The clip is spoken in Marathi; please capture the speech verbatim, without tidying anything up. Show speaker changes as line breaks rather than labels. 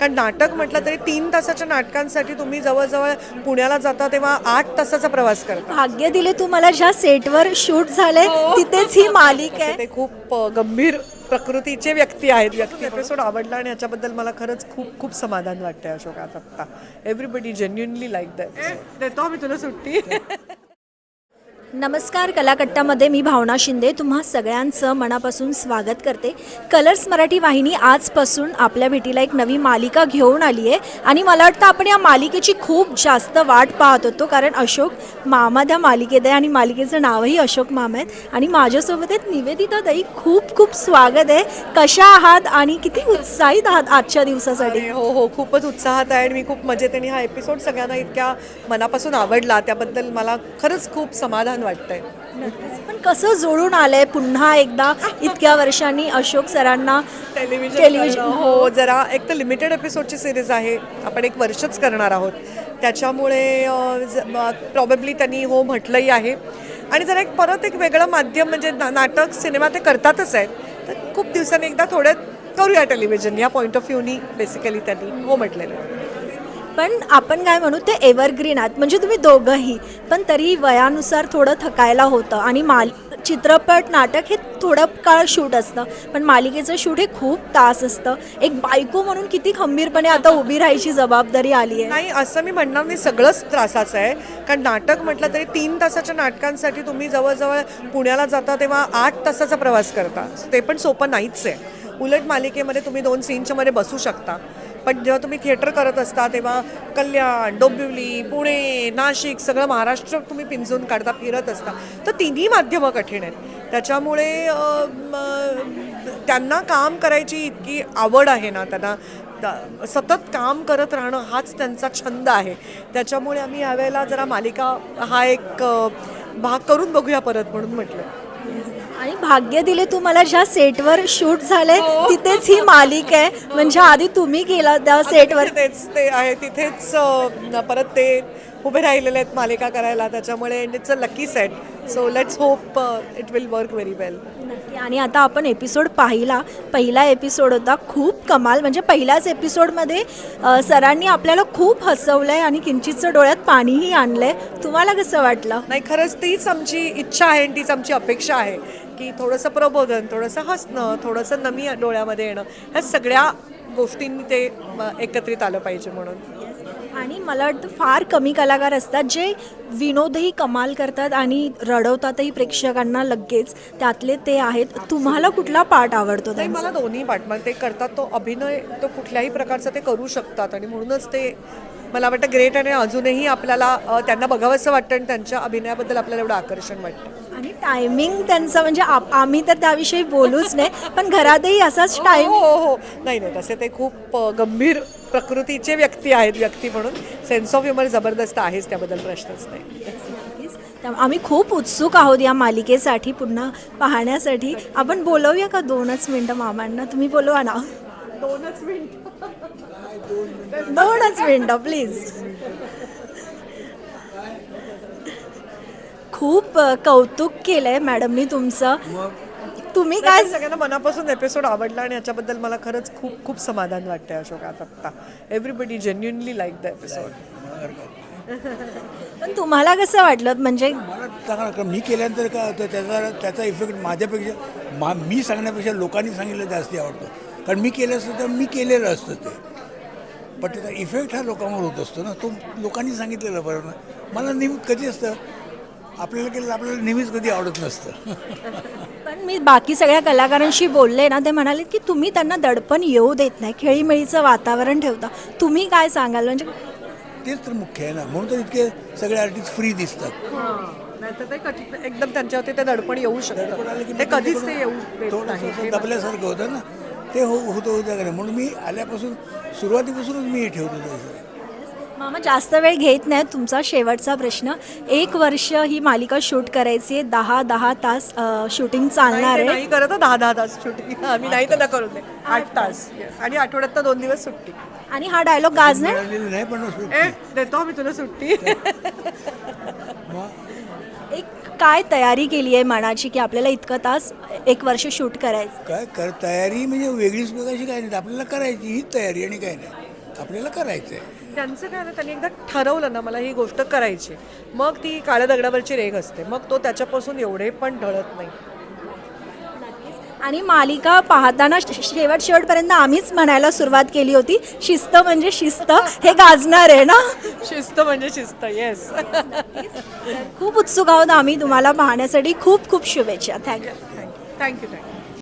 कारण नाटक म्हटलं तरी तीन तासाच्या नाटकांसाठी तुम्ही जवळजवळ पुण्याला जाता तेव्हा आठ तासाचा प्रवास करता.
भाग्य दिले तू मला ज्या सेटवर शूट झाले तिथेच ही मालिका आहे.
ते खूप अ, गंभीर प्रकृतीचे व्यक्ती आहेत. व्यक्ती एपिसोड आवडला आणि याच्याबद्दल मला खरंच खूप खूप समाधान वाटतंय अशोकात आत्ता. Everybody genuinely like that. देतो मी तुला सुट्टी.
नमस्कार, कलाकट्टामध्ये मी भावना शिंदे तुम्हा सगळ्यांचं मनापासून स्वागत करते. कलर्स मराठी वाहिनी आजपासून आपल्या भेटीला एक नवी मालिका घेऊन आली आहे आणि मला वाटतं आपण या मालिकेची खूप जास्त वाट पाहत होतो, कारण अशोक मामा त्या मालिकेत आहे आणि मालिकेचं नावही अशोक मामा आहेत. आणि माझ्यासोबत आहेत निवेदिता ताई. खूप खूप स्वागत आहे. कशा आहात आणि किती उत्साहित आहात आजच्या दिवसासाठी?
हो हो खूपच उत्साहात आहे आणि मी खूप मजेत आणि हा एपिसोड सगळ्यांना इतक्या मनापासून आवडला त्याबद्दल मला खरंच खूप समाधान वाटतंय.
पण कसं जोडून आलंय पुन्हा एकदा इतक्या वर्षांनी अशोक सरांना
टेलिव्हिजन
टेलिव्हिजन
हो जरा एक तर लिमिटेड एपिसोडची सिरीज आहे. आपण एक वर्षच करणार आहोत त्याच्यामुळे प्रॉबेबली त्यांनी हो म्हटलंही आहे. आणि जरा एक परत एक वेगळं माध्यम म्हणजे ना नाटक सिनेमा ते करतातच आहेत, तर खूप दिवसांनी एकदा थोडं करूया टेलिव्हिजन या पॉईंट ऑफ व्ह्यूनी बेसिकली त्यांनी हो म्हटलेलं आहे.
पण आपण काय म्हणू ते एव्हरग्रीन आहात, म्हणजे तुम्ही दोघंही, पण तरी वयानुसार थोडं थकायला होतं आणि माल चित्रपट नाटक हे थोडं काळ शूट असतं, पण मालिकेचं शूट हे खूप तास असतं. एक बायको म्हणून किती खंबीरपणे आता उभी राहायची जबाबदारी आली आहे.
नाही असं मी म्हणणार नाही, सगळंच त्रासाचं आहे. कारण नाटक म्हटलं तरी तीन तासाच्या नाटकांसाठी तुम्ही जवळजवळ पुण्याला जाता तेव्हा आठ तासाचा प्रवास करता. ते पण सोपं नाहीच आहे. उलट मालिकेमध्ये तुम्ही दोन सीनच्या मध्ये बसू शकता, पण जेव्हा तुम्ही थिएटर करत असता तेव्हा कल्याण, डोंबिवली, पुणे, नाशिक सगळं महाराष्ट्र तुम्ही पिंजून काढता, फिरत असता, तर तिन्ही माध्यमं कठीण आहेत. त्याच्यामुळे त्यांना काम करायची इतकी आवड आहे ना, त्यांना सतत काम करत राहणं हाच त्यांचा छंद आहे. त्याच्यामुळे आम्ही यावेळेला जरा मालिका हा एक भाग करून बघूया परत म्हणून म्हटलं.
आणि भाग्य दिले तू मला ज्या सेटवर शूट झाले तिथेच ही मालिका आहे, म्हणजे आधी तुम्ही केला त्या सेटवर.
तेच ते आहे तिथेच परत ते उभे राहिलेले आहेत मालिका करायला. त्याच्यामुळे it's a lucky set. So let's hope it will work very well.
आणि आता आपण एपिसोड पाहिला, पहिला एपिसोड होता खूप कमाल. म्हणजे पहिल्याच एपिसोडमध्ये सरांनी आपल्याला खूप हसवलंय आणि किंचितचं डोळ्यात पाणीही आणलंय. तुम्हाला कसं वाटलं?
नाही खरंच तीच आमची इच्छा आहे आणि तीच आमची अपेक्षा आहे की थोडंसं प्रबोधन, थोडंसं हसणं, थोडंसं नमी डोळ्यामध्ये येणं, ह्या सगळ्या गोष्टींनी ते एकत्रित आलं पाहिजे म्हणून.
आणि मला वाटतं फार कमी कलाकार असतात जे विनोदही कमाल करतात आणि रडवतातही प्रेक्षकांना लगेच. त्यातले ते आहेत. तुम्हाला कुठला पार्ट आवडतो?
नाही मला दोन्ही पार्ट मग ते करतात, तो अभिनय तो कुठल्याही प्रकारचा ते करू शकतात आणि म्हणूनच ते मला वाटतं ग्रेट. आणि अजूनही आपल्याला त्यांना बघावंसं वाटतं आणि त्यांच्या अभिनयाबद्दल आपल्याला एवढं आकर्षण वाटतं.
आणि टायमिंग त्यांचा म्हणजे आप आम्ही तर त्याविषयी बोलूच नाही, पण घरातही असाच टाईम.
हो हो हो नाही नाही तसे ते खूप गंभीर प्रकृतीचे व्यक्ती आहेत. व्यक्ती म्हणून सेन्स ऑफ ह्युमर जबरदस्त आहेच, त्याबद्दल प्रश्नच नाही.
आम्ही खूप उत्सुक आहोत या मालिकेसाठी पुन्हा पाहण्यासाठी. आपण बोलवूया का दोनच मिनटं मामांना? तुम्ही बोलवा ना.
दोनच मिनिट
दोनच मिनटं प्लीज. खूप कौतुक केलंय मॅडमनी तुमचं. तुम्ही काय
सगळ्यांना मनापासून एपिसोड आवडला आणि याच्याबद्दल मला खरंच खूप खूप समाधान वाटतंय अशोकात आत्ता. Everybody genuinely like the episode.
पण तुम्हाला कसं वाटलं? म्हणजे
मला चांगलं मी केल्यानंतर काय होतं त्याचा त्याचा इफेक्ट माझ्यापेक्षा मा मी सांगण्यापेक्षा लोकांनी सांगितलं जास्ती आवडतं. कारण मी केलं असतं तर मी केलेलं असतं ते, पण त्याचा इफेक्ट हा लोकांवर होत असतो ना, तो लोकांनी सांगितलेलं बरं ना. मला नेहमी कधी असतं आपल्याला केलं आपल्याला नेहमीच कधी आवडत नसतं.
पण मी बाकी सगळ्या कलाकारांशी बोलले ना, ते म्हणाले की तुम्ही त्यांना दडपण येऊ देत नाही, खेळीमेळीचं वातावरण ठेवता. तुम्ही काय सांगाल? म्हणजे
तेच तर मुख्य आहे ना, म्हणून तर इतके सगळे आर्टिस्ट फ्री दिसतात.
नाही तर ते कधी एकदम त्यांच्यावरती ते दडपण येऊ शकतं, ते कधीच ते येऊ देत नाही.
थोडंसं दबल्यासारखं होतं ना, ते हो होतं होतं का नाही. म्हणून मी आल्यापासून सुरुवातीपासूनच मी हे ठेवतो तसं.
मामा जास्त वेळ घेत नाही, तुमचा शेवटचा प्रश्न. एक वर्ष ही मालिका शूट करायची आहे, दहा दहा तास शूटिंग चालणार आहे.
नाही करत दहा दहा तास शूटिंग आम्ही नाही तर करू दे आठ तास आणि आठवड्यात तर दोन दिवस सुट्टी.
आणि हा डायलॉग गाजणार
मिळालेलं नाही पण
ए देतो आम्ही तुला सुट्टी.
एक काय तयारी केली आहे मनाची की आपल्याला इतकं तास एक वर्ष शूट करायचं?
काय कर तयारी म्हणजे वेगळीच बघायची काय नाही, आपल्याला करायची हीच तयारी आणि काय नाही. आपल्याला करायचं आहे.
त्यांचं काय ना, त्यांनी एकदा ठरवलं ना मला ही गोष्ट करायची, मग ती काळ्या दगडावरची रेघ असते, मग तो त्याच्यापासून एवढे पण ढळत नाही.
आणि मालिका पाहताना शेवट शेवटपर्यंत आम्हीच म्हणायला सुरुवात केली होती, शिस्त म्हणजे शिस्त हे गाजणार आहे ना.
शिस्त म्हणजे शिस्त. येस.
खूप उत्सुक आहोत आम्ही तुम्हाला पाहण्यासाठी. खूप खूप शुभेच्छा. थँक्यू.
Thank you thank you thank you